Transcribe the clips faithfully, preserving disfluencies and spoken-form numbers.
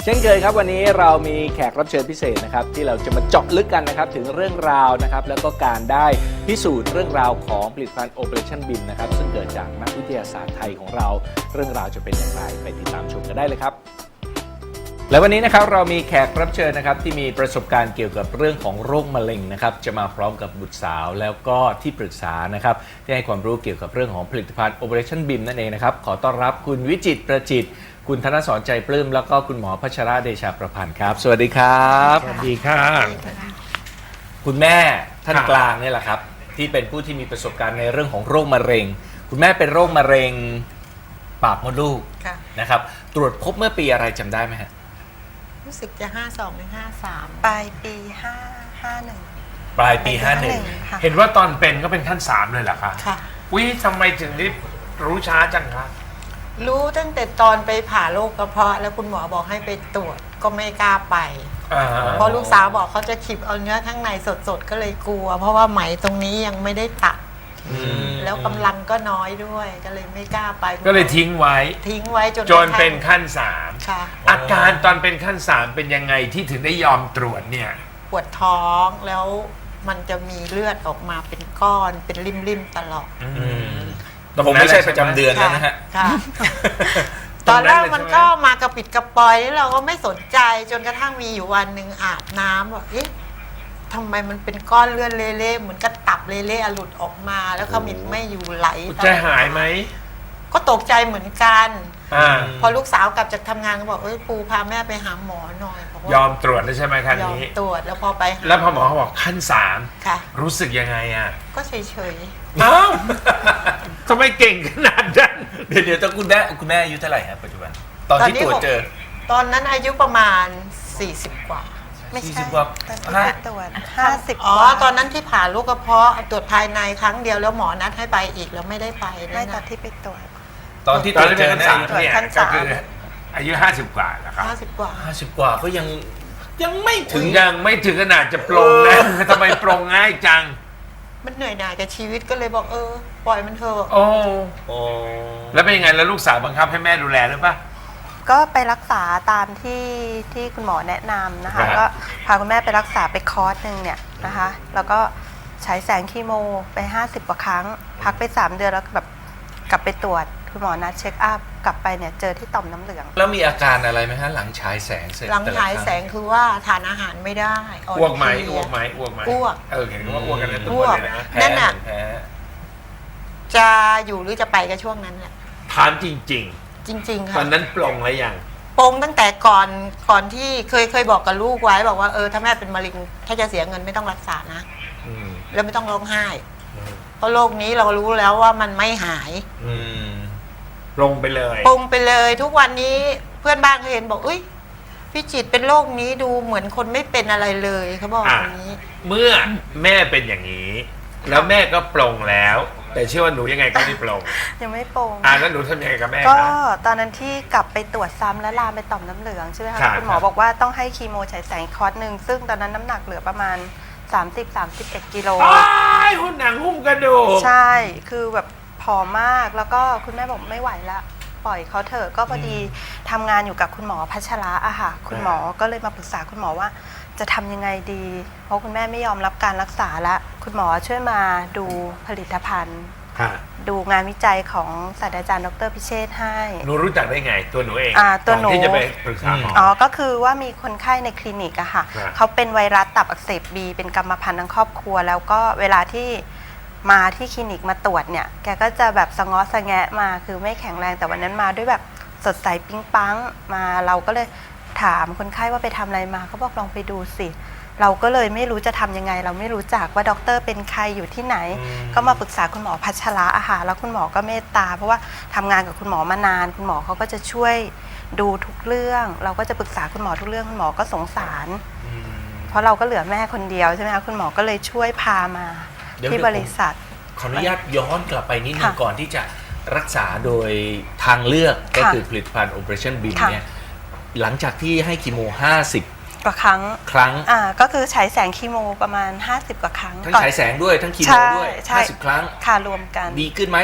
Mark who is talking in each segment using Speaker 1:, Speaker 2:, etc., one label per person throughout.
Speaker 1: ช่นเคยครับวันนี้เรามีแขกรับเชิญพิเศษนะครับที่เราจะมาเจาะลึกกันนะครับถึงเรื่องราวนะครับแล้วก็การได้พิสูจน์เรื่องราวของผลิตภัณฑ์ Operationบี ไอ เอ็ม นะครับซึ่งเกิดจากนักวิทยาศาสตร์ไทยของเราเรื่องราวจะเป็นอย่างไรไปติดตามชมกันได้เลยครับและวันนี้นะครับเรามีแขกรับเชิญนะครับที่มีประสบการณ์เกี่ยวกับเรื่องของโรคมะเร็งนะครับจะมาพร้อมกับบุตรสาวแล้วก็ที่ปรึกษานะครับที่ให้ความรู้เกี่ยวกับเรื่องของผลิตภัณฑ์ Operationบี ไอ เอ็ม นั่นเองนะครับขอต้อนรับคุณวิจิตรประจิตรคุณธนสรใจปลื้มแล้วก็คุณหมอพัชระเดชาประพันธ์ครับสวัสดีครับ
Speaker 2: สวัสดีค่ะ
Speaker 1: คุณแม่ท่านกลางนี่แหละครับที่เป็นผู้ที่มีประสบการณ์ในเรื่องของโรคมะเร็งคุณแม่เป็นโรคมะเร็งปากมดลูกนะครับตรวจพบเมื่อปีอะไรจำได้ไหมฮะ
Speaker 3: รู้สึกจะห้าสองหรือห้าสาม
Speaker 4: ปลายปีห้าห้าหนึ่ง
Speaker 1: ปลายปีห้าหนึ่ง
Speaker 2: เห็นว่าตอนเป็นก็เป็นขั้นสามเลยเหรอคะ
Speaker 3: ค่ะ
Speaker 2: วิทำไมถึงได้รู้ช้าจังคะ
Speaker 3: รู้ตั้งแต่ตอนไปผ่าโรคกระเพาะแล้วคุณหมอบอกให้ไปตรวจก็ไม่กล้าไปเพราะลูกสาวบอกเขาจะขีบเอาเนื้อข้างในสดๆก็เลยกลัวเพราะว่าไหมตรงนี้ยังไม่ได้ตัดแล้วกำลังก็น้อยด้วยก็เลยไม่กล้าไป
Speaker 2: ก็เลยทิ้งไว้
Speaker 3: ทิ้งไว้จน
Speaker 2: จนเป็นขั้นสาม
Speaker 3: ค่ะ
Speaker 2: อาการตอนเป็นขั้นสามเป็นยังไงที่ถึงได้ยอมตรวจเนี่ย
Speaker 3: ปวดท้องแล้วมันจะมีเลือดออกมาเป็นก้อนเป็นริมๆตลอด
Speaker 1: แต่ผมไม่ใช่ประจำเดือนแล้วนะฮะ
Speaker 3: ตอนแรกมันก็มากระปิดกระปอยแล้วเราก็ไม่สนใจจนกระทั่งมีอยู่วันหนึ่งอาบน้ำบอกเอ๊ะทำไมมันเป็นก้อนเลือดเละๆเหมือนกระตับเละๆหลุดออกมาแล้วขมิบไม่อยู่ไหล
Speaker 2: ใจหายไหม
Speaker 3: ก็ตกใจเหมือนกันพอลูกสาวกลับจากทำงานก็บอกเอ้ยปูพาแม่ไปหาหมอหน่อย
Speaker 2: ยอมตรวจแล้วใช่ไหมครั้งนี้
Speaker 3: ยอมตรวจแล้วพอไป
Speaker 2: แล้วพอหมอเขาบอกขั้นสาม
Speaker 3: ค่ะ
Speaker 2: รู้สึกยังไงอ่ะ
Speaker 3: ก็เฉย
Speaker 2: ๆอ้าวทำไมเก่งขนาดนั้น
Speaker 1: เดี๋ยวเดี๋ยวต้องคุณแม่คุณแม่อายุเท่าไหร่ครับปัจจุบันตอนที่ตรวจเจอ
Speaker 3: ตอนนั้นอายุประมาณสี่สิบกว่า
Speaker 4: ไม่ใช่
Speaker 1: กว่า
Speaker 4: ห้าตรวจห้าสิบ
Speaker 3: อ๋อตอนนั้นที่ผ่าลูกกระเพาะตรวจภายในครั้งเดียวแล้วหมอนัดให้ไปอีกแล้วไม่ได้ไป
Speaker 4: ไม่ตอนที่ไปตรวจ
Speaker 1: ตอนที่ตรวจเจอ
Speaker 2: ขั้นสามเนี่ยก็คืออายุห้าสิบกว่าแล้วครับ
Speaker 3: ห้าสิบกว่า
Speaker 1: ห้าสิบกว่าก็ยังยังไม่ถึง
Speaker 2: ยังไม่ถึงขนาดจะปลงนะทำไมปลงง่ายจัง
Speaker 3: มันเหนื่อยหน่ายกับชีวิตก็เลยบอกเออปล่อยมันเถอะ
Speaker 2: โอ้โอ้แล้วเป็นยังไงแล้วลูกสาวบังคับให้แม่ดูแลหรือเปล่า
Speaker 4: ก็ไปรักษาตามที่ที่คุณหมอแนะนำนะคะก็พาคุณแม่ไปรักษาไปคอร์สหนึ่งเนี่ยนะคะแล้วก็ใช้แสงคีโมไปห้าสิบกว่าครั้งพักไปสามเดือนแล้วแบบกลับไปตรวจคุณหมอนัดเช็คอัพกลับไปเนี่ยเจอที่ต่อมน้ำเหลือง
Speaker 1: แล้วมีอาการอะไรไหมฮะหลังฉายแสงเสร็จ
Speaker 3: หลังฉายแสงคือว่าทานอาหารไม่ได้
Speaker 2: อ้วกไหมอ้วกไหมอ้วกไหม
Speaker 3: อ้วก
Speaker 2: เออเห็นว่าอ้วกกันทุกคนเลยนะ
Speaker 3: นั่นน่ะจะอยู่หรือจะไปกับช่วงนั้นแหละ
Speaker 2: ถามจริง
Speaker 3: จริงๆค่ะ
Speaker 2: ตอนนั้นปลงแล้วยัง
Speaker 3: ปรงตั้งแต่ก่อนก่อนที่เคยเคยบอกกับลูกไว้บอกว่าเออถ้าแม่เป็นมะเร็งถ้าจะเสียเงินไม่ต้องรักษานะแล้วไม่ต้องร้องไห้เพราะโรคนี้เรารู้แล้วว่ามันไม่หาย
Speaker 2: ปรงไปเลย
Speaker 3: ปรงไปเลยทุกวันนี้เพื่อนบ้านเขาเห็นบอกเอ้ยพี่จิตเป็นโรคนี้ดูเหมือนคนไม่เป็นอะไรเลยเขาบอกอย่างนี้
Speaker 2: เมื่อแม่เป็นอย่างนี้แล้วแม่ก็ปรงแล้วแต่เชื่อว่าหนูยังไงก็ไม่ปรง
Speaker 4: ยังไม่ปรง
Speaker 2: อ่าแล้วหนูทำยังไงกับแม่
Speaker 4: ก็ตอนนั้นที่กลับไปตรวจซ้ำแล้วลามไปต่อมน้ำเหลืองใช่ไหมคะคุณหมอบอกว่าต้องให้คีโมฉายแสงคอร์สหนึ่งซึ่งตอนนั้นน้ำหนักเหลือประมาณสามสิบ สามสิบเอ็ดกิโล
Speaker 2: ไอ้หุ่นหนังหุ้มกระดูก
Speaker 4: ใช่คือแบบผอมมากแล้วก็คุณแม่บอกไม่ไหวละปล่อยเขาเถอะก็พอดีทำงานอยู่กับคุณหมอพัชระอะค่ะคุณหมอก็เลยมาปรึกษาคุณหมอว่าจะทำยังไงดีเพราะคุณแม่ไม่ยอมรับการรักษาละคุณหมอช่วยมาดูผลิตภัณฑ์ดูงานวิจัยของศาสตราจารย์ดร.พิเชษฐ์ให้
Speaker 2: หนูรู้จักได้ไงตัวหนูเอง
Speaker 4: ตัวหนู
Speaker 2: ที่จะไปปรึกษาหมอ
Speaker 4: อ๋อก็คือว่ามีคนไข้ในคลินิกอะค่ะเขาเป็นไวรัสตับอักเสบบีเป็นกรรมพันธุ์ทั้งครอบครัวแล้วก็เวลาที่มาที่คลินิกมาตรวจเนี่ยแกก็จะแบบสะง้อสะแงะมาคือไม่แข็งแรงแต่วันนั้นมาด้วยแบบสดใสปิ๊งปังมาเราก็เลยถามคนไข้ว่าไปทำอะไรมาเขาบอกลองไปดูสิเราก็เลยไม่รู้จะทำยังไงเราไม่รู้จักว่าด็อกเตอร์เป็นใครอยู่ที่ไหนก็มาปรึกษาคุณหมอพัชระอาหารแล้วคุณหมอก็เมตตาเพราะว่าทำงานกับคุณหมอมานานคุณหมอเขาก็จะช่วยดูทุกเรื่องเราก็จะปรึกษาคุณหมอทุกเรื่องคุณหมอก็สงสารเพราะเราก็เหลือแม่คนเดียวใช่ไหมคะคุณหมอก็เลยช่วยพามาที่บริษัท
Speaker 1: ขออนุญาตย้อนกลับไปนิดนึงก่อนที่จะรักษาโดยทางเลือกก็คือผลิตภัณฑ์ Operation บี ไอ เอ็ม เนี่ยหลังจากที่ให้คีโมห้าสิบ
Speaker 4: กว่าครั้ง
Speaker 1: ครั้ง
Speaker 4: อ่าก็คือฉายแสงคีโมประมาณห้าสิบกว่าครั้ง
Speaker 1: ทั้งฉายแสงด้วยทั้งคีโมด้วยห้าสิบครั้ง
Speaker 4: ค่ะรวมกัน
Speaker 1: ดีขึ้นไหม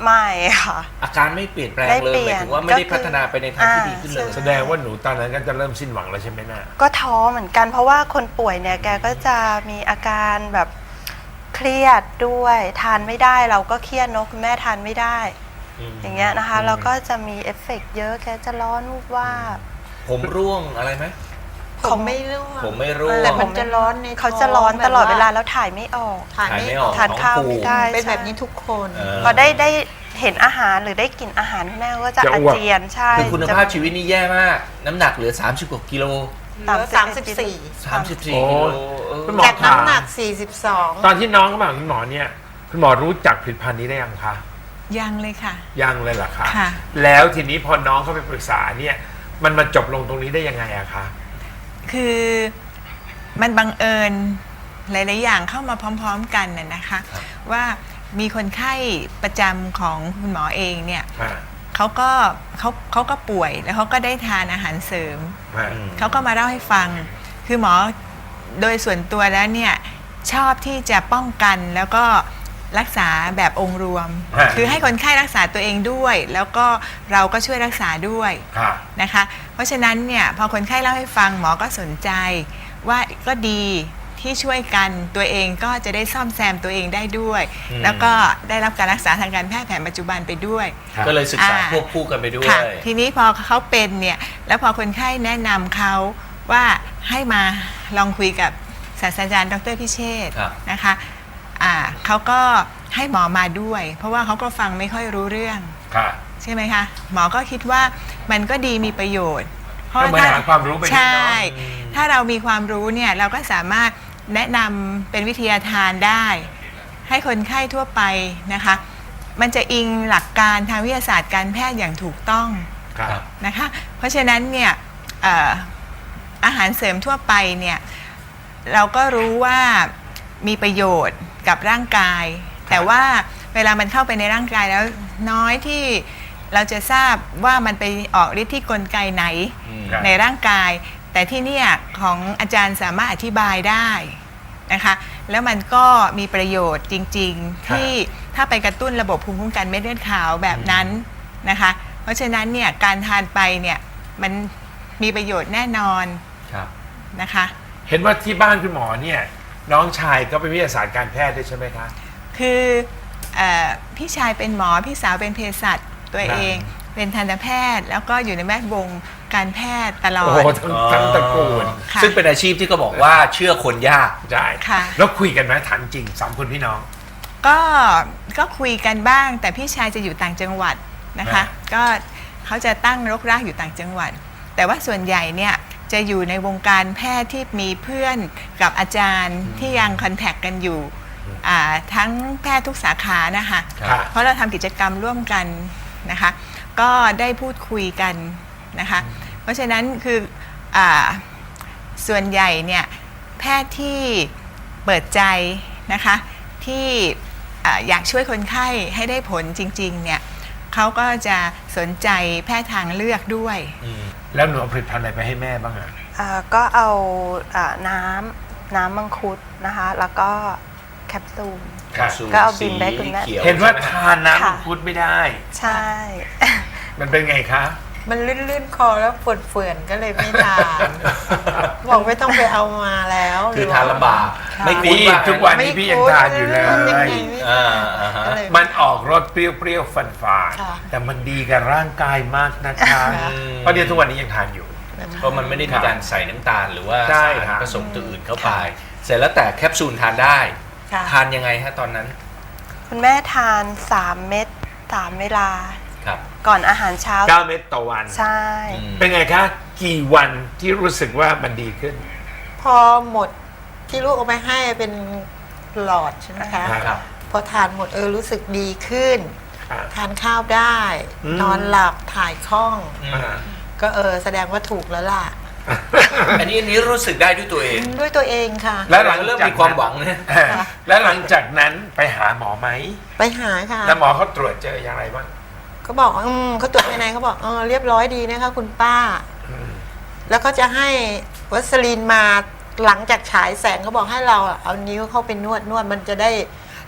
Speaker 4: ไม่ค่ะ
Speaker 1: อาการไม่เปลี่ยนแปลง
Speaker 4: ไม่
Speaker 1: เลย
Speaker 4: เปลี่
Speaker 1: ห
Speaker 4: ย
Speaker 1: มาย
Speaker 4: น
Speaker 1: ถึงว่าไม่ได้
Speaker 4: ก็คือ
Speaker 1: พัฒนาไปในทางที่ดีขึ้นเลย
Speaker 4: อ่า
Speaker 2: แสดงว่าหนูตอนนั้นก็จะเริ่มสิ้นหวังแล้วใช่ไหมน่ะ
Speaker 4: ก็ท้อเหมือนกันเพราะว่าคนป่วยเนี่ยแกก็จะมีอาการแบบเครียดด้วยทานไม่ได้เราก็เครียดเนอะคุณแม่ทานไม่ได้ อย่างเงี้ยนะคะเราก็จะมีเอฟเฟกต์เยอะแกจะร้อนวูบว่าบ
Speaker 1: ผมร่วงอะไรไหม
Speaker 3: ผมไม่ร่วง
Speaker 1: ผมไม่ร่วง
Speaker 3: แต่มันจะร้อนในท้อง
Speaker 4: เขาจะร้อนตลอดเวลา
Speaker 3: แบบ
Speaker 4: แล้วถ่ายไม่ออก
Speaker 3: ถ่ายไม่ออก
Speaker 4: ทานข้าวไม่ได้
Speaker 3: เป็น
Speaker 4: ใช่
Speaker 3: แบบนี้ทุกคน
Speaker 1: เออ
Speaker 4: พอได้ได้เห็นอาหารหรือได้กลิ่นอาหารแม่ก็จะ
Speaker 2: จะ
Speaker 4: อา
Speaker 2: อ้วก
Speaker 4: เจียนใช่
Speaker 1: คือคุณภาพชีวิตนี่แย่มาก น้ำหนักเหลือสามสิบกว่ากิโล
Speaker 3: เหลือสามสิบสี่
Speaker 1: สามสิบสี่
Speaker 2: โอ้
Speaker 1: กิโลเออ
Speaker 2: คุณหมอ
Speaker 3: จากน้ำหนักสี่สิบสอง
Speaker 2: ตอนที่น้องเขามาหาคุณหมอเนี่ยคุณหมอรู้จักผลิตภัณฑ์นี้ได้ยังคะ
Speaker 5: ยังเลยค่ะ
Speaker 2: ยังเลยเหรอคะ
Speaker 5: ค่ะ
Speaker 2: แล้วทีนี้พอน้องเข้าไปปรึกษาเนี่ยมันมาจบลงตรงนี้ได้ยังไงอะคะ
Speaker 5: คือมันบังเอิญหลาย ๆ อย่างเข้ามาพร้อม ๆ กันน่ะนะคะ ว่ามีคนไข้ประจำของคุณหมอเองเนี่ย
Speaker 2: อ่า
Speaker 5: เขาก็เขาเขาก็ป่วยแล้วเขาก็ได้ทานอาหารเสริม
Speaker 2: อ่า
Speaker 5: เขาก็มาเล่าให้ฟัง คือหมอโดยส่วนตัวแล้วเนี่ยชอบที่จะป้องกันแล้วก็รักษาแบบองค์รวม คือให้คนไข้รักษาตัวเองด้วย แล้วก็เราก็ช่วยรักษาด้วย
Speaker 2: ค่ะ
Speaker 5: นะคะ เพราะฉะนั้นเนี่ยพอคนไข้เล่าให้ฟังหมอก็สนใจว่าก็ดีที่ช่วยกันตัวเองก็จะได้ซ่อมแซมตัวเองได้ด้วย
Speaker 1: อืม
Speaker 5: แล้วก็ได้รับการรักษาทางการแพทย์แผนปัจจุบันไปด้วย
Speaker 2: ครับ
Speaker 1: ก็เลยศึกษา
Speaker 5: อ่า
Speaker 1: ควบคู่กันไปด้วย
Speaker 5: ค่ะทีนี้พอเขาเป็นเนี่ยแล้วพอคนไข้แนะนำเขาว่าให้มาลองคุยกับศาสตราจารย์ดรพิเชษฐ์
Speaker 1: ครับ
Speaker 5: นะคะอ่าเขาก็ให้หมอมาด้วย เพราะว่าเขาก็ฟังไม่ค่อยรู้เรื่อง
Speaker 2: ค่ะ
Speaker 5: ใช่ไหมคะหมอก็คิดว่ามันก็ดีมีประโยชน์ เพราะ
Speaker 2: ก็เหมือนหาความรู้ไปด้วยเนอะ
Speaker 5: ใช่
Speaker 2: อืม
Speaker 5: ถ้าเรามีความรู้เนี่ยเราก็สามารถแนะนำเป็นวิทยาทานได้ ให้คนไข้ทั่วไปนะคะ มันจะอิงหลักการทางวิทยาศาสตร์การแพทย์อย่างถูกต้อง
Speaker 2: ครับ
Speaker 5: นะคะ เพราะฉะนั้นเนี่ยเอ่ออาหารเสริมทั่วไปเนี่ยเราก็รู้ว่ามีประโยชน์กับร่างกาย แต่ว่าเวลามันเข้าไปในร่างกายแล้วน้อยที่เราจะทราบว่ามันไปออกฤทธิ์ที่กลไกไหน
Speaker 1: อืม
Speaker 2: ครับ
Speaker 5: ในร่างกาย แต่ที่เนี่ยของอาจารย์สามารถอธิบายได้นะคะแล้วมันก็มีประโยชน์จริงๆที่ถ้าไปกระตุ้นระบบภูมิคุ้มกันเม็ดเลือดขาวแบบนั้นนะคะเพราะฉะนั้นเนี่ยการทานไปเนี่ยมันมีประโยชน์แน่นอน
Speaker 1: ครับ
Speaker 5: นะคะ
Speaker 2: เห็นว่าที่บ้านคุณหมอเนี่ยน้องชายก็เป็นวิทยาศาสตร์การแพทย์ด้วยใช่ไหมคะ
Speaker 5: คือเออพี่ชายเป็นหมอพี่สาวเป็นเภสัชตัวเอง เป็นทันตแพทย์ แล้วก็อยู่ในแวดวงการแพทย์ตลอ
Speaker 2: โอ้
Speaker 5: ด
Speaker 2: โหทั้งทั้งตระกูล
Speaker 5: ค่ะ
Speaker 1: ซึ่งเป็นอาชีพที่ก็บอกว่าเชื่อคนยาก
Speaker 2: ใช่
Speaker 5: ค่ะ
Speaker 2: แล้วคุยกันไหมถามจริงสามคนพี่น้อง
Speaker 5: ก็ก็คุยกันบ้างแต่พี่ชายจะอยู่ต่างจังหวัดนะคะ
Speaker 2: อ่า
Speaker 5: ก็เขาจะตั้งรกรากอยู่ต่างจังหวัด แต่ว่าส่วนใหญ่เนี่ยจะอยู่ในวงการแพทย์ที่มีเพื่อนกับอาจารย์ที่ยังคอนแทคกันอยู่อ่าทั้งแพทย์ทุกสาขานะคะ
Speaker 1: ครับ
Speaker 5: เพราะเราทำกิจกรรมร่วมกันนะคะ ก็ได้พูดคุยกันนะคะ เพราะฉะนั้นคืออาส่วนใหญ่เนี่ยแพทย์ที่เปิดใจนะคะที่อ่าอยากช่วยคนไข้ให้ได้ผลจริงๆเนี่ยเขาก็จะสนใจแพทย์ทางเลือกด้วย
Speaker 2: แล้วหนูเอาผลิตภัณฑ์อะไรไปให้แม่บ้างอะ
Speaker 4: อ่าก็เอาอ่าน้ำน้ำมังคุดนะคะ แล้วก็แคปซูล
Speaker 2: ค่ะ
Speaker 4: ก็เอาบินไปให้คุณแม่
Speaker 1: สีขีย
Speaker 2: เห็นว่า
Speaker 1: ใช่ไม
Speaker 2: ทานน้ำ
Speaker 4: ค่ะ
Speaker 2: มังคุดไม่ได้
Speaker 4: ใช่
Speaker 2: มันเป็นไงคะ
Speaker 3: มันลื่นๆคอแล้วปวดเฟื่อนก็เลยไม่ทาน บอกไม่ต้องไปเอามาแล้ว
Speaker 1: คือทานลำบาก
Speaker 3: ค่ะ
Speaker 1: ไม่คุ้น
Speaker 2: นี่
Speaker 1: ว่า
Speaker 2: ทุกวัน
Speaker 3: ไม่
Speaker 2: นี้พี่ยัง
Speaker 3: คุ้น
Speaker 2: ทานอยู่เลย
Speaker 3: มันยังไงไม่
Speaker 1: อ่าอ่าฮะ
Speaker 3: ก็เลย
Speaker 2: มันออกรสเปรี้ยวๆฝันฝาด
Speaker 3: ค่ะ
Speaker 2: แต่มันดีกับร่างกายมากนะคะ
Speaker 3: ค่ะ
Speaker 2: เพราะเดี๋ยวทุกวันนี้ยังทานอยู่
Speaker 1: เพราะมันไม่ได้มีการใส่น้ำตาลหรือว่า
Speaker 2: ใช่
Speaker 1: สาร
Speaker 2: ครับ
Speaker 1: ผสมตัวอื่นเข้าไป เสร็จแล้วแต่แคปซูลทานได้
Speaker 3: ค่ะ
Speaker 1: ทานยังไงฮะตอนนั้น
Speaker 4: คุณแม่ทานสามเม็ดสามเวลา
Speaker 1: ครับ
Speaker 4: ก่อนอาหารเช้า
Speaker 2: เก้าเม็ดต่อวัน
Speaker 4: ใช่
Speaker 1: อืม
Speaker 2: เป็นไงคะ กี่วันที่รู้สึกว่ามันดีขึ้น
Speaker 3: พอหมดที่ลูกเอาไปให้เป็นหลอดใช่ไหมคะ
Speaker 1: ครับ
Speaker 3: พอทานหมดเออรู้สึกดีขึ้น
Speaker 2: ครับ
Speaker 3: ทานข้าวได้
Speaker 2: อืม
Speaker 3: นอนหลับถ่ายคล่อง
Speaker 2: อ่า
Speaker 3: ก็เออแสดงว่าถูกแล้วล่ะ
Speaker 1: อันนี้อันนี้รู้สึกได้ด้วยตัวเอง
Speaker 3: ด้วยตัวเองค่ะ
Speaker 2: แล้วหลัง
Speaker 1: เริ่ม
Speaker 2: จาก
Speaker 1: มีความหวังนะ
Speaker 2: อ่าแล้วหลังจากนั้นไปหาหมอไหม
Speaker 3: ไปหาค่ะ
Speaker 2: แล้วหมอเขาตรวจเจออย่างไรบ้าง
Speaker 3: เขาบอกอืมเขาตรวจภายในเขาบอกเออเรียบร้อยดีนะคะคุณป้า
Speaker 2: อืม
Speaker 3: แล้วก็จะให้วัสลีนมาหลังจากฉายแสงเขาบอกให้เราอะเอานิ้วเข้าไปนวดนวดมันจะได้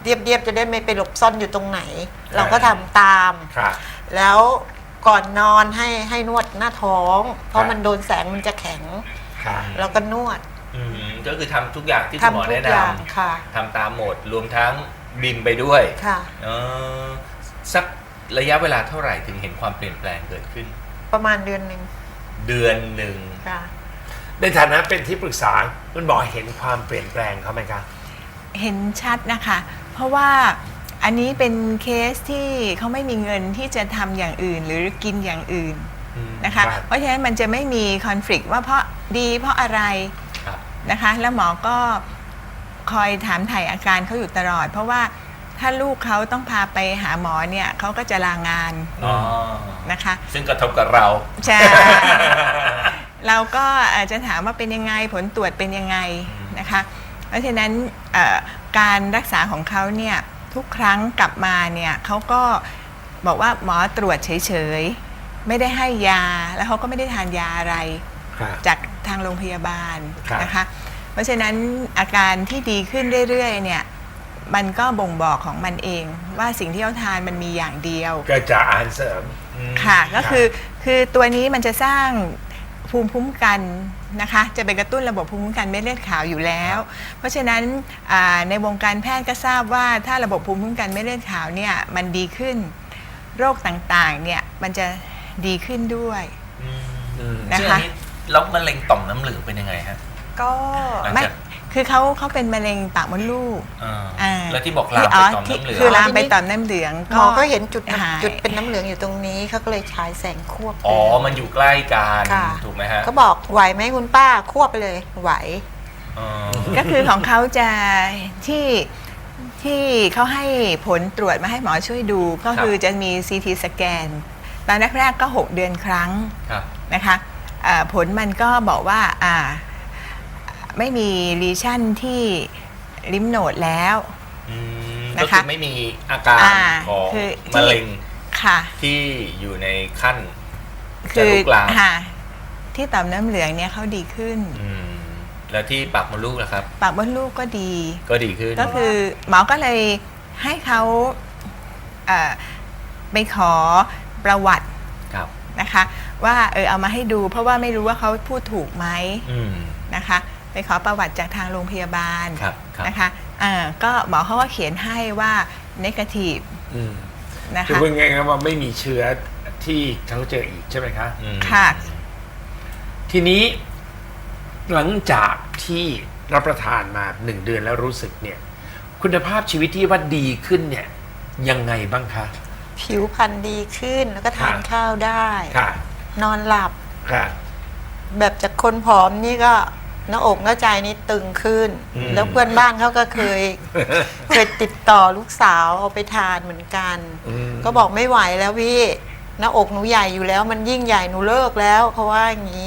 Speaker 3: เรียบๆจะได้ไม่ไปหลบซ่อนอยู่ตรงไหน เราก็ทำตาม
Speaker 2: ครับ
Speaker 3: แล้วก่อนนอนให้ให้นวดหน้าท้อง เพ
Speaker 2: ครั
Speaker 3: ราะ
Speaker 2: บ
Speaker 3: มันโดนแสงมันจะแข็ง
Speaker 2: ครับ
Speaker 3: แล้วก็นวด
Speaker 1: อืมก็คือทำทุกอย่างที่คุณหมอ
Speaker 3: ทำทุ
Speaker 1: แนะ
Speaker 3: กอย่าง
Speaker 1: นำ
Speaker 3: ค่ะ
Speaker 1: ทำตามหมดรวมทั้งบิมไปด้วย
Speaker 3: ค่ะ
Speaker 1: เออสักระยะเวลาเท่าไหร่ถึงเห็นความเปลี่ยนแปลงเกิดขึ้น
Speaker 3: ประมาณเดือนหนึ่ง
Speaker 1: เดือนหนึ่ง
Speaker 3: ค่ะ
Speaker 2: ในฐานะเป็นที่ปรึกษาคุณหมอเห็นความเปลี่ยนแปลงเขาไหมคะ
Speaker 5: เห็นชัดนะคะ เพราะว่าอันนี้เป็นเคสที่เขาไม่มีเงินที่จะทำอย่างอื่นหรือกินอย่างอื่น
Speaker 1: อืม
Speaker 5: นะคะ
Speaker 2: ครับ
Speaker 5: เพราะฉะนั้นมันจะไม่มีคอน FLICT ว่าเพราะดีเพราะอะไร
Speaker 1: ครับ
Speaker 5: นะคะ แล้วหมอก็คอยถามถ่ายอาการเขาอยู่ตลอด เพราะว่าถ้าลูกเขาต้องพาไปหาหมอเนี่ยเขาก็จะลางาน
Speaker 1: อ๋อ
Speaker 5: นะคะ
Speaker 1: ซึ่งกระทบกับเรา
Speaker 5: ใช่ เราก็อาจจะถามว่าเป็นยังไงผลตรวจเป็นยังไงนะคะ เพราะฉะนั้นเอ่อการรักษาของเขาเนี่ยทุกครั้งกลับมาเนี่ยเขาก็บอกว่าหมอตรวจเฉยๆไม่ได้ให้ยาแล้วเขาก็ไม่ได้ทานยาอะไร
Speaker 2: ครับ
Speaker 5: จากทางโรงพยาบาล
Speaker 2: ครับ
Speaker 5: นะคะ เพราะฉะนั้นอาการที่ดีขึ้นเรื่อยๆเนี่ยมันก็บ่งบอกของมันเองว่าสิ่งที่เขาทานมันมีอย่างเดียว
Speaker 2: ก็จะอาหารเสริม
Speaker 5: ค่ะก็คือคือตัวนี้มันจะสร้างภูมิคุ้มกันนะคะจะไปกระตุ้นระบบภูมิคุ้มกันเม็ดเลือดขาวอยู่แล้ว เพราะฉะนั้นอ่าในวงการแพทย์ก็ทราบว่าถ้าระบบภูมิคุ้มกันเม็ดเลือดขาวเนี่ยมันดีขึ้นโรคต่างๆเนี่ยมันจะดีขึ้นด้วย
Speaker 2: อืม
Speaker 5: นะคะ
Speaker 1: ซึ่งอันนี้แล้วมะเร็งต่อมน้ำเหลืองเป็นยังไงฮะ
Speaker 4: ก็
Speaker 1: หลัง
Speaker 5: ไม่
Speaker 1: จาก
Speaker 5: คือเขาเขาเป็นมะเร็งปากมดลูก
Speaker 1: อ่า
Speaker 5: อ่า
Speaker 1: แล้วที่บอกลามไปต่อมน้ำเหลือง
Speaker 5: คือลามไปต่อมน้ำเหลือง
Speaker 3: หมอก็เห็นจุดน้ำ
Speaker 5: หาย
Speaker 3: จุดเป็นน้ำเหลืองอยู่ตรงนี้เขาก็เลยฉายแสงควบ
Speaker 1: อ๋อ มันอยู่ใกล้กัน
Speaker 3: ค่ะ
Speaker 1: ถูกไหมฮะ
Speaker 3: ก็บอกไหวไหมคุณป้าควบไปเลยไหว
Speaker 1: อ๋อ
Speaker 5: ก็คือของเขาจะที่ที่เขาให้ผลตรวจมาให้หมอช่วยดู ก็คือจะมี ซี ที สแกนตอนแรกๆก็ หก เดือนครั้ง
Speaker 1: ครับ
Speaker 5: นะคะอ่าผลมันก็บอกว่าอ่าไม่มีลีชั่นที่ลิมโนดแล้ว
Speaker 1: อืม
Speaker 5: นะคะ
Speaker 1: ก็คือไม่มีอาการ
Speaker 5: อ่า
Speaker 1: ของ
Speaker 5: คือที่
Speaker 1: มะเร็ง
Speaker 5: ค่ะ
Speaker 1: ที่อยู่ในขั้นจะ
Speaker 5: คือ
Speaker 1: ลุกลาม
Speaker 5: ค่ะที่ต่อมน้ำเหลืองเนี่ยเขาดีขึ้น
Speaker 1: อืมแล้วที่ปากมดลูกล่ะครับ
Speaker 5: ปากมดลูกก็ดี
Speaker 1: ก็ดีขึ้น
Speaker 5: ก็คือหมอก็เลยให้เขาเอ่อไปขอประวัติ
Speaker 1: ครับ
Speaker 5: นะคะว่าเออเอามาให้ดู เพราะว่าไม่รู้ว่าเขาพูดถูกไหม
Speaker 1: อืม
Speaker 5: นะคะไปขอประวัติจากทางโรงพยาบาล
Speaker 1: ครับครับ
Speaker 5: นะคะอ่าก็หมอเขาก็เขียนให้ว่า negative
Speaker 2: อืม
Speaker 5: นะ
Speaker 2: คือ
Speaker 5: คะ
Speaker 2: พูดง่ายๆว่าไม่มีเชื้อที่เขาเจออีกใช่ไหมคะ
Speaker 1: อืม
Speaker 5: ค่ะ
Speaker 2: ทีนี้หลังจากที่รับประทานมาหนึ่งเดือนแล้วรู้สึกเนี่ย คุณภาพชีวิตที่ว่าดีขึ้นเนี่ยยังไงบ้างคะ
Speaker 3: ผิวพรรณดีขึ้นแล้วก็ทาน
Speaker 2: ค่ะ
Speaker 3: ข้าวได้
Speaker 2: ค่ะ
Speaker 3: นอนหลับ
Speaker 2: ค่ะ
Speaker 3: แบบจากคนผอมนี่ก็หน้าอกหน้าใจนี่ตึงขึ้น
Speaker 2: อืม
Speaker 3: แล้วเพื่อนบ้านเขาก็เคย เคยติดต่อลูกสาวเอาไปทานเหมือนกัน
Speaker 2: อืม
Speaker 3: ก็บอกไม่ไหวแล้วพี่หน้าอกหนูใหญ่อยู่แล้ว มันยิ่งใหญ่หนูเลิกแล้วเขาว่าอย่างนี้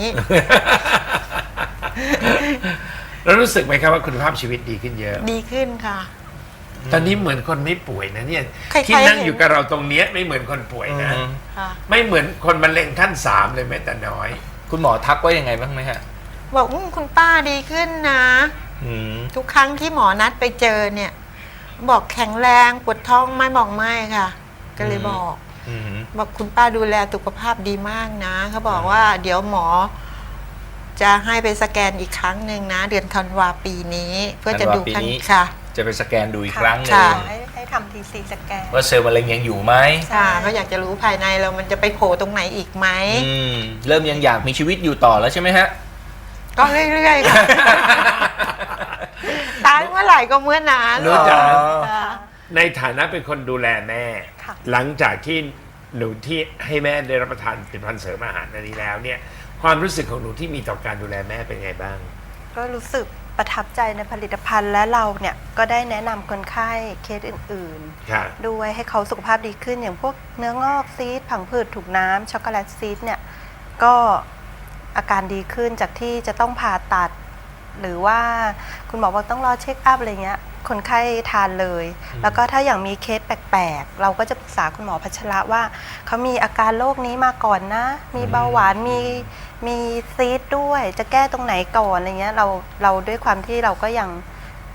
Speaker 2: แล้วรู้สึกไหมครับว่าคุณภาพชีวิตดีขึ้นเยอะ
Speaker 3: ดีขึ้นค่ะ
Speaker 2: ตอนนี้เหมือนคนไม่ป่วยนะเนี่ย
Speaker 3: ใครๆ
Speaker 2: ที่นั่ง
Speaker 3: เห็น
Speaker 2: อยู่กับเราตรงเนี้ยไม่เหมือนคนป่วยนะ
Speaker 1: อืม
Speaker 3: ค่ะ
Speaker 2: ไม่เหมือนคนมะเร็งขั้นสามเลยแม้แต่น้อย
Speaker 1: คุณหมอทักว่ายังไงบ้างไหมฮะ
Speaker 3: บอกอมคุณป้าดีขึ้นนะ
Speaker 1: อืม
Speaker 3: ทุกครั้งที่หมอนัดไปเจอเนี่ย บอกแข็งแรงปวดท้องไหม่บอกไม่ค่ะ ก็เลยบอก
Speaker 1: อืม
Speaker 3: บอกคุณป้าดูแลสุขภาพดีมากนะเขาบอกว่าเดี๋ยวหมอ จะให้ไปสแกนอีกครั้งหนึ่งนะ เดือนธันวาปีนี้ เพื่อจะดู
Speaker 1: ธันวาปี
Speaker 3: ขั้น
Speaker 1: นี้
Speaker 3: ค่ะ
Speaker 1: จะไปสแกนดูอีกครั้งหนึ่ง
Speaker 3: ค่ะ
Speaker 4: ให้ให้ทำทีซีสแกน
Speaker 1: ว่าเซลล์มะเร็งยังอยู่ไหม
Speaker 3: ค่ะเขาอยากจะรู้ภายในเรามันจะไปโผล่ตรงไหนอีกไหม
Speaker 1: อืมเริ่มยังอยากมีชีวิตอยู่ต่อแล้วใช่ไหมฮะ
Speaker 3: ก็เรื่อยๆค่ะ ตายเมื่อไหร่ก็เมื่อนั้น
Speaker 2: รู้จัก
Speaker 3: ค่ะ
Speaker 2: ในฐานะเป็นคนดูแลแม่
Speaker 4: ค่ะ
Speaker 2: หลังจากที่หนูที่ให้แม่ได้รับประทานผลิตภัณฑ์เสริมอาหารอันนี้แล้วเนี่ยความรู้สึกของหนูที่มีต่อการดูแลแม่เป็นไงบ้าง
Speaker 4: ก็รู้สึกประทับใจในผลิตภัณฑ์และเราเนี่ยก็ได้แนะนำคนไข้เคสอื่น
Speaker 2: ค่ะ
Speaker 4: ๆ ด้วยให้เขาสุขภาพดีขึ้นอย่างพวกเนื้องอกซีดผังผืดถูกน้ำช็อกโกแลตซีดเนี่ยก็อาการดีขึ้นจากที่จะต้องผ่าตัด หรือว่าคุณหมอบอกต้องรอเช็คอัพอะไรเงี้ยคนไข้ทานเลย แล้วก็ถ้าอย่างมีเคสแปลกๆ เราก็จะปรึกษาคุณหมอพัชระว่าเขามีอาการโรคนี้มาก่อนนะ มีเบาหวานมีมีซีดด้วย จะแก้ตรงไหนก่อนอะไรเงี้ยเราเราด้วยความที่เราก็ยัง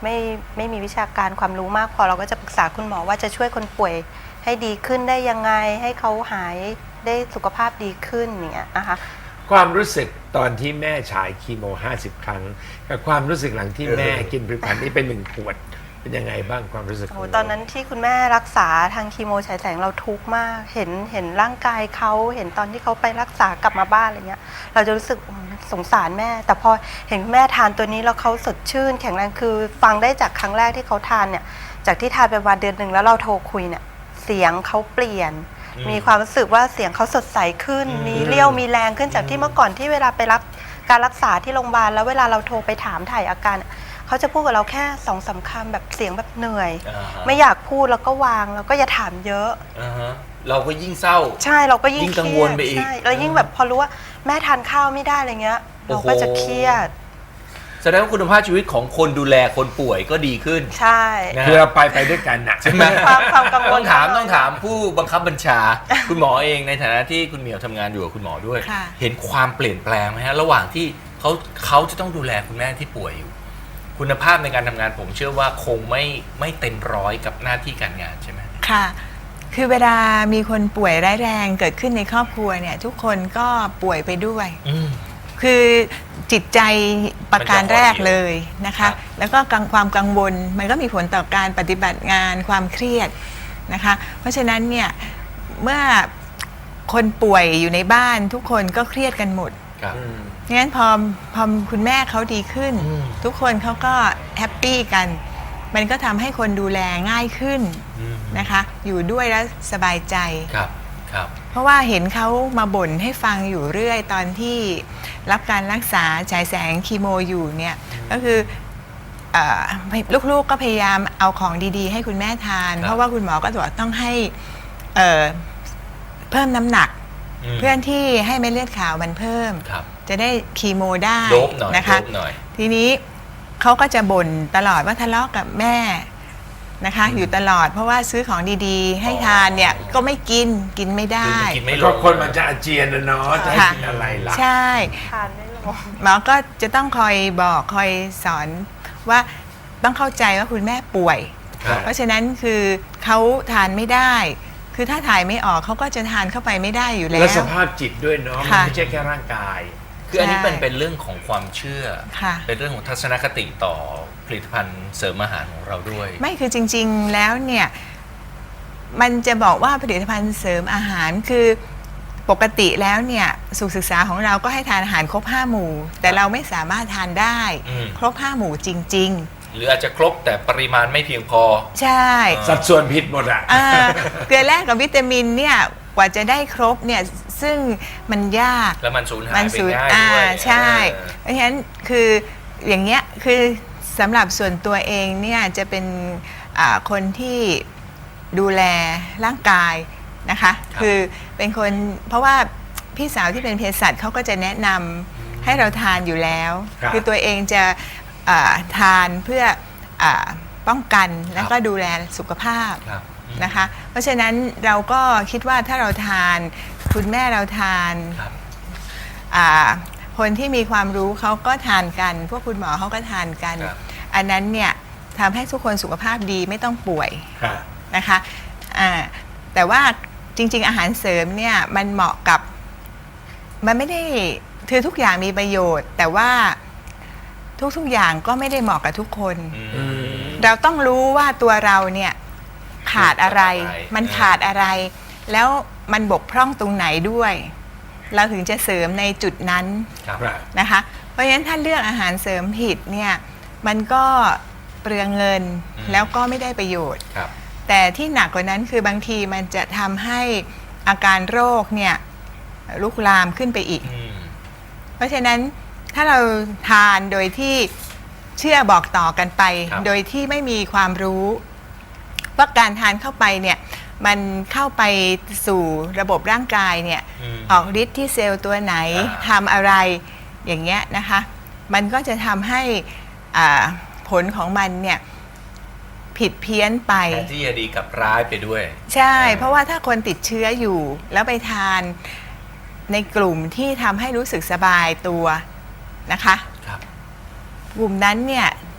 Speaker 4: ไม่ไม่มีวิชาการความรู้มากพอเราก็จะปรึกษาคุณหมอว่าจะช่วยคนป่วยให้ดีขึ้นได้ยังไงให้เขาหายได้สุขภาพดีขึ้นอย่างเงี้ยนะคะ
Speaker 2: ความรู้สึกตอนที่แม่ฉายคีโมห้าสิบครั้งกับความรู้สึกหลังที่แม่กินผลิตภัณฑ์นี้เป็นหนึ่งขวดเป็นยังไงบ้างความรู้สึกข
Speaker 4: โอ้
Speaker 2: อง
Speaker 4: ตอนนั้นที่คุณแม่รักษาทางคีโมฉายแสงเราทุกข์มากเห็นเห็นร่างกายเขาเห็นตอนที่เขาไปรักษากลับมาบ้านอะไรเงี้ยเราจะรู้สึกอืมสงสารแม่ แต่พอเห็นแม่ทานตัวนี้แล้วเขาสดชื่นแข็งแรงคือฟังได้จากครั้งแรกที่เขาทานเนี่ยจากที่ทานไปวันเดือนหนึ่งแล้วเราโทรคุยเนี่ยเสียงเขาเปลี่ยน มีความรู้สึกว่าเสียงเขาสดใสขึ้น มีเรี่ยวมีแรงขึ้นจากที่เมื่อก่อนที่เวลาไปรับการรักษาที่โรงพยาบาลแล้วเวลาเราโทรไปถามถ่ายอาการเขาจะพูดกับเราแค่สองสามคำแบบเสียงแบบเหนื่อย
Speaker 1: อ่าฮะ
Speaker 4: ไม่อยากพูดแล้วก็วางแล้วก็อย่าถามเยอะ
Speaker 1: อ่าฮะเราก็ยิ่งเศร้า
Speaker 4: ใช่เราก็ยิ่ง
Speaker 1: ยิ่งกังวลไปอีก
Speaker 4: ใช่แล้วยิ่งแบบพอรู้ว่าแม่ทานข้าวไม่ได้อะไรเงี้ย
Speaker 1: โอ้
Speaker 4: เรา
Speaker 1: โห
Speaker 4: ก็จะเครียด
Speaker 1: แสดงว่าคุณภาพชีวิตของคนดูแลคนป่วยก็ดีขึ้น
Speaker 4: ใช่
Speaker 1: นะ
Speaker 2: คือเราไปไปด้วยกันนะ
Speaker 1: ใช่ไหม
Speaker 4: ความความกังวล
Speaker 1: ต้องถาม
Speaker 4: ของเรา
Speaker 1: ต้องถามผู้บังคับบัญชา คุณหมอเองในฐานะที่คุณเหมียวทำงานอยู่กับคุณหมอด้วย
Speaker 5: ค่ะ
Speaker 1: เห็นความเปลี่ยนแปลงไหมฮะระหว่างที่เขาเขาจะต้องดูแลคุณแม่ที่ป่วยอยู่ คุณภาพในการทำงานผมเชื่อว่าคงไม่ไม่เต็มร้อยกับหน้าที่การงานใช่ไหม
Speaker 5: ค่ะ คือเวลามีคนป่วยร้ายแรงเกิดขึ้นในครอบครัวเนี่ยทุกคนก็ป่วยไปด้วย
Speaker 1: อืม
Speaker 5: คือจิตใจประการแรก
Speaker 1: มันจะห่อเหี่ยว
Speaker 5: เลยนะ
Speaker 1: ครั
Speaker 5: คะ
Speaker 1: บ
Speaker 5: แล้วก็กังความกังวลมันก็มีผลต่อการปฏิบัติงานความเครียดนะคะ เพราะฉะนั้นเนี่ยเมื่อคนป่วยอยู่ในบ้านทุกคนก็เครียดกันหมด
Speaker 1: ครับ
Speaker 5: งั้นพอพอคุณแม่เขาดีขึ้น
Speaker 1: อืม
Speaker 5: ทุกคนเขาก็แฮปปี้กัน มันก็ทำให้คนดูแลง่ายขึ้น
Speaker 1: อืม
Speaker 5: นะคะ อยู่ด้วยแล้วสบายใจ
Speaker 1: ครับครับ
Speaker 5: เพราะว่าเห็นเขามาบ่นให้ฟังอยู่เรื่อยตอนที่รับการรักษาฉายแสงคีโมอยู่เนี่ยก็คือเอ่อลูกๆก็พยายามเอาของดีๆ ให้คุณแม่ทาน
Speaker 1: ครับ
Speaker 5: เพราะว่าคุณหมอก็บอกต้องให้เอ่อเพิ่มน้ำหนัก
Speaker 1: ม
Speaker 5: เพื่อที่ให้เม็ดเลือดขาวมันเพิ่ม
Speaker 1: ครับ
Speaker 5: จะได้คีโมได้
Speaker 1: โดบหน่อย
Speaker 5: นะคะ
Speaker 1: โดบหน่อย
Speaker 5: ทีนี้เขาก็จะบ่นตลอดว่าทะเลาะกับแม่นะคะ อยู่ตลอดเพราะว่าซื้อของดีๆ ให้ทานเนี่ยก็ไม่กินกินไม่ได้
Speaker 1: คือมันกินไม่ล
Speaker 2: ก็
Speaker 1: ง
Speaker 2: คนมันจะอาเจียนนะเนาะจะให้
Speaker 5: ค่ะ
Speaker 2: กินอะไรล่ะ
Speaker 5: ใช่
Speaker 4: ทานไม่ลง
Speaker 5: หมอก็จะต้องคอยบอกคอยสอนว่าต้องเข้าใจว่าคุณแม่ป่วย
Speaker 1: ครับ
Speaker 5: เพราะฉะนั้นคือเขาทานไม่ได้ คือถ้าถ่ายไม่ออกเขาก็จะทานเข้าไปไม่ได้อยู่แล้
Speaker 2: แล้ว
Speaker 5: ว
Speaker 2: สภาพจิตด้วยเนาะมัน
Speaker 5: ค่ะ
Speaker 2: ไม่ใช่แค่ร่างกาย
Speaker 1: คืออันนี้
Speaker 5: ใช่
Speaker 1: เป็นเป็นเรื่องของความเชื่อ
Speaker 5: ค่ะ
Speaker 1: เป็นเรื่องของทัศนคติต่อผลิตภัณฑ์เสริมอาหารของเราด้วย
Speaker 5: ไม่คือจริงๆแล้วเนี่ยมันจะบอกว่าผลิตภัณฑ์เสริมอาหารคือปกติแล้วเนี่ยสุขศึกษาของเราก็ให้ทานอาหารครบห้าหมู่ แต่เราไม่สามารถทานได้
Speaker 1: อืม
Speaker 5: ครบห้าหมู่จริง
Speaker 1: หรืออาจจะครบแต่ปริมาณไม่เพียงพอ
Speaker 5: ๆ ใช่
Speaker 2: สัดส่วนผิดหมดอ่ะ
Speaker 5: อ่าเกลือแร่กับวิตามินเนี่ยกว่าจะได้ครบเนี่ยซึ่งมันยาก
Speaker 1: แล้วมันสูญหาย
Speaker 5: มัน
Speaker 1: ไป
Speaker 5: สูญ
Speaker 1: ง่าย
Speaker 5: อ่า
Speaker 1: ด้วย
Speaker 5: ใช่
Speaker 1: เออ
Speaker 5: เพราะฉะนั้นคืออย่างเงี้ยคือสำหรับส่วนตัวเองเนี่ยจะเป็นอ่าคนที่ดูแลร่างกายนะคะ คือเป็นคนเพราะว่าพี่สาวที่เป็นเภสัชเขาก็จะแนะนำให้เราทานอยู่แล้ว
Speaker 2: ครับ
Speaker 5: คือตัวเองจะอ่าทานเพื่ออาป้องกันแล้วก็ดูแลสุขภาพ
Speaker 1: ครับ
Speaker 5: นะคะ เพราะฉะนั้นเราก็คิดว่าถ้าเราทานคุณแม่เราทาน
Speaker 1: ครับ
Speaker 5: อ่าคนที่มีความรู้เขาก็ทานกัน พวกคุณหมอเขาก็ทานกัน
Speaker 1: ครับ
Speaker 5: อันนั้นเนี่ยทำให้ทุกคนสุขภาพดีไม่ต้องป่วย
Speaker 2: ค่ะ
Speaker 5: นะคะอ่าแต่ว่าจริงๆอาหารเสริมเนี่ยมันเหมาะกับมันไม่ได้คือทุกอย่างมีประโยชน์ แต่ว่าทุกๆอย่างก็ไม่ได้เหมาะกับทุกคน
Speaker 1: อืม
Speaker 5: เราต้องรู้ว่าตัวเราเนี่ยขาดอะไร
Speaker 1: ขาดอะไร
Speaker 5: มันขาดอะไร แล้วมันบกพร่องตรงไหนด้วย เราถึงจะเสริมในจุดนั้น
Speaker 1: ครับ
Speaker 2: ครับ
Speaker 5: นะคะ เพราะฉะนั้นถ้าเลือกอาหารเสริมผิดเนี่ยมันก็เปลืองเงิน
Speaker 1: อืม
Speaker 5: แล้วก็ไม่ได้ประโยชน์
Speaker 1: ครับ
Speaker 5: แต่ที่หนักกว่านั้นคือบางทีมันจะทำให้อาการโรคเนี่ยลุกลามขึ้นไปอีก
Speaker 1: อืม
Speaker 5: เพราะฉะนั้นถ้าเราทานโดยที่เชื่อบอกต่อกันไป
Speaker 1: ครับ
Speaker 5: โดยที่ไม่มีความรู้ว่าการทานเข้าไปเนี่ยมันเข้าไปสู่ระบบร่างกายเนี่ย
Speaker 1: อืม
Speaker 5: ออกฤทธิ์ที่เซลล์ตัวไหน
Speaker 1: อ่า
Speaker 5: ทำอะไรอย่างเงี้ยนะคะมันก็จะทำให้อ่าผลของมันเนี่ยผิดเพี้ยนไป
Speaker 1: แทนที่จะดีกับร้ายไปด้วย
Speaker 5: ใช่
Speaker 1: อ่า
Speaker 5: เพราะว่าถ้าคนติดเชื้ออยู่ แล้วไปทานในกลุ่มที่ทำให้รู้สึกสบายตัวนะคะ
Speaker 1: ครับ
Speaker 5: กลุ่มนั้นเนี่ย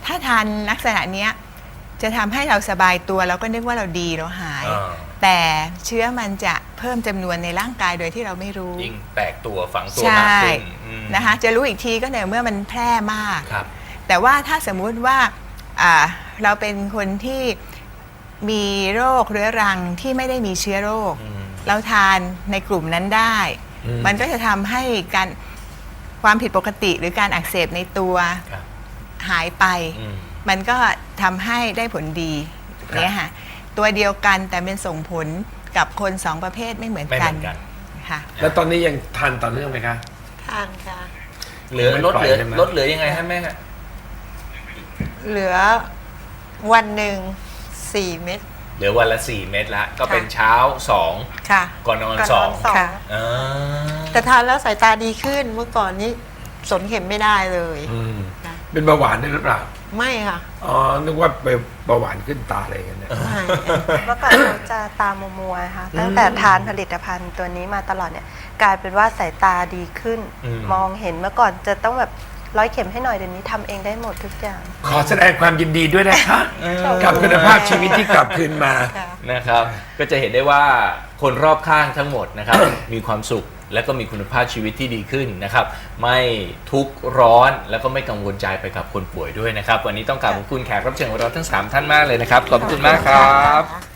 Speaker 5: ถ้าทานลักษณะเนี้ยจะทำให้เราสบายตัวเราก็นึกว่าเราดีเราหาย
Speaker 2: อ่า
Speaker 5: แต่เชื้อมันจะเพิ่มจำนวนในร่างกายโดยที่เราไม่รู้
Speaker 1: ยิ่งแตกตัวฝังตัว
Speaker 5: ใช่
Speaker 1: มากขึ้นอืม
Speaker 5: นะคะจะรู้อีกทีก็ในเมื่อมันแพร่มาก
Speaker 1: ครับ
Speaker 5: แต่ว่าถ้าสมมุติว่าอ่าเราเป็นคนที่มีโรคเรื้อรังที่ไม่ได้มีเชื้อโรค
Speaker 1: อืม
Speaker 5: เราทานในกลุ่มนั้นได้
Speaker 2: อืม
Speaker 5: มันก็จะทำให้การความผิดปกติหรือการอักเสบในตัว
Speaker 1: ครับ
Speaker 5: หายไป
Speaker 1: อืม
Speaker 5: มันก็ทำให้ได้ผลดี
Speaker 2: ครับ
Speaker 5: เนี่ยค่ะตัวเดียวกันแต่เป็นส่งผลกับคนสองประเภทไม่เหมือน
Speaker 1: ไม่เห
Speaker 5: กั
Speaker 1: มื
Speaker 5: น
Speaker 1: อนกัน
Speaker 5: ค่ะ
Speaker 2: แล้วตอนนี้ยังทานต่อเนื่องไหมคะ
Speaker 3: ทานค่ะ
Speaker 1: เหลือ
Speaker 2: ไม่
Speaker 1: ลด
Speaker 2: ปล่อย
Speaker 1: เหลือ
Speaker 2: ใช่ไหม
Speaker 1: ลดเหลือยังไงฮะแม่ฮะ
Speaker 3: เหลือวันหนึ่งสี่เม็ด
Speaker 1: เหลือวันละสี่เม็ดละก็เป็นเช้าสอง
Speaker 3: ค่ะ
Speaker 1: ก่อนนอน
Speaker 4: ก่อน
Speaker 1: ส
Speaker 4: น
Speaker 1: อ
Speaker 4: อง นสอง
Speaker 3: ค่ะ
Speaker 1: อ่า
Speaker 3: แต่ทานแล้วสายตาดีขึ้นเมื่อก่อนนี้สนเข็มไม่ได้เลย
Speaker 2: อืม
Speaker 3: ค่ะ
Speaker 2: เป็นเบาหวานด้วยหรือเปล่า
Speaker 3: ไม่ค่ะ
Speaker 2: อ๋อ นึกว่าเป็นเบาหวานขึ้นตาอะไรกันเนี่ย
Speaker 3: ไม่
Speaker 4: เมื่อก่อนเขาจะตามัวๆค่ะตั้งแต่ทานผลิตภัณฑ์ตัวนี้มาตลอดเนี่ยกลายเป็นว่าสายตาดีขึ้น
Speaker 1: อืม
Speaker 4: มองเห็นเมื่อก่อนจะต้องแบบร้อยเข็มให้หน่อยเดี๋ยวนี้ทำเองได้หมดทุกอย่าง
Speaker 2: ขอแสดงความยินดีด้วยนะคะ กับคุณภาพชีวิตที่กลับคืนมา
Speaker 3: ค่ะ
Speaker 1: นะครับ ก็จะเห็นได้ว่าคนรอบข้างทั้งหมดนะครับ มีความสุขและก็มีคุณภาพชีวิตที่ดีขึ้นนะครับ ไม่ทุกข์ร้อนแล้วก็ไม่กังวลใจไปกับคนป่วยด้วยนะครับ วันนี้ต้องกราบขอบคุณแขกรับเชิญของเราทั้งสามท่านมากเลยนะครับ ขอบคุณมากครับ